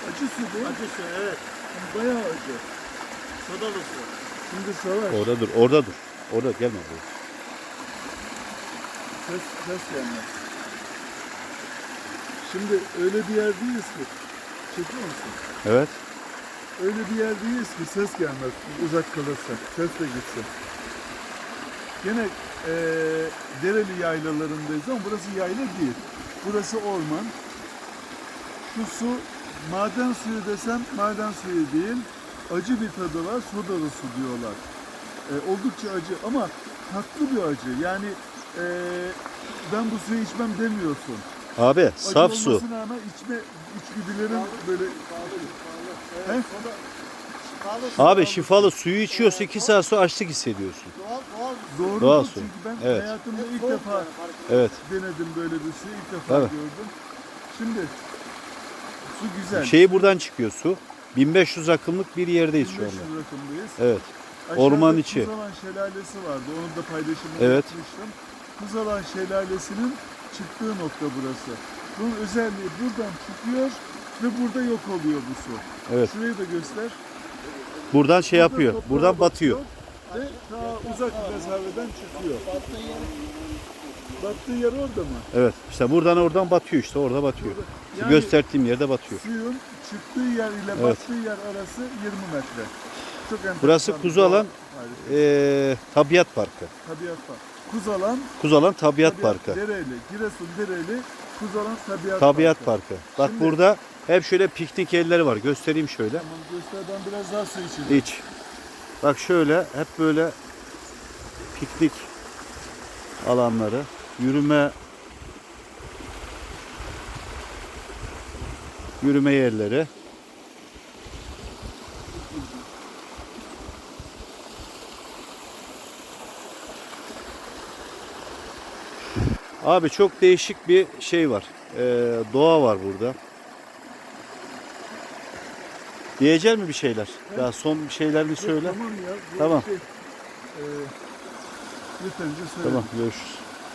Acı su değil. Acı su, evet. Bayağı acı. Sodalı su. Şimdi Savaş. Orada dur, orada dur. Orada gelme buraya. Ses gelmez. Şimdi öyle bir yerdeyiz ki. Çekiyor musun? Evet. Öyle bir yerdeyiz ki ses gelmez. Uzak kalırsak. Ses de gitsin. Gene Dereli yaylalarındayız ama burası yayla değil. Burası orman. Şu su maden suyu desem maden suyu değil. Acı bir tadı var. Sodalı su diyorlar. Oldukça acı ama tatlı bir acı. Yani ben bu suyu içmem demiyorsun. Abi Acı saf su. olmasına rağmen içgüdülerin böyle... He? Abi şifalı suyu içiyorsa 2 saat sonra açlık hissediyorsun. Doğrudur Doğal su. çünkü ben Evet. hayatımda ilk defa Evet. denedim böyle bir suyu. İlk defa Tabii. gördüm. Şimdi su güzel. Şeyi buradan çıkıyor su. 1500 akımlık bir yerdeyiz şu 1500 anda. rakımdayız. Evet. Aşağıda Orman içi. Kuzalan Şelalesi vardı. Onun da paylaşımını Evet. yapmıştım. Kuzalan Şelalesi'nin çıktığı nokta burası. Bunun özelliği buradan çıkıyor ve burada yok oluyor bu su. Evet. Şurayı da göster. Buradan şey Burada yapıyor. toprağa Buradan batıyor. Ve ta uzak bir mesafeden çıkıyor. Battığı yer orada mı? Evet. İşte buradan oradan batıyor işte. Orada batıyor. Şu Yani gösterdiğim yerde batıyor. suyun çıktığı yer ile Evet. battığı yer arası 20 metre. Çok enteresan. Burası bir Kuzalan harika. Tabiat Parkı. Tabiat Parkı. Kuzalan Kuzalan Tabiat Parkı. Dereli, Giresun Dereli, Kuzalan Tabiat, Tabiat Parkı. Parkı. Bak Şimdi- burada hep şöyle piknik yerleri var. Göstereyim şöyle. Tamam göster, ben biraz daha su içeyim. İç. Bak şöyle hep böyle piknik alanları, yürüme yerleri. Abi çok değişik bir şey var. Doğa var burada. Diyecek mi bir şeyler? Daha son bir şeylerini söyle. Tamam ya. bu Tamam. Şey, yeterince söyledim. Tamam, görüşürüz.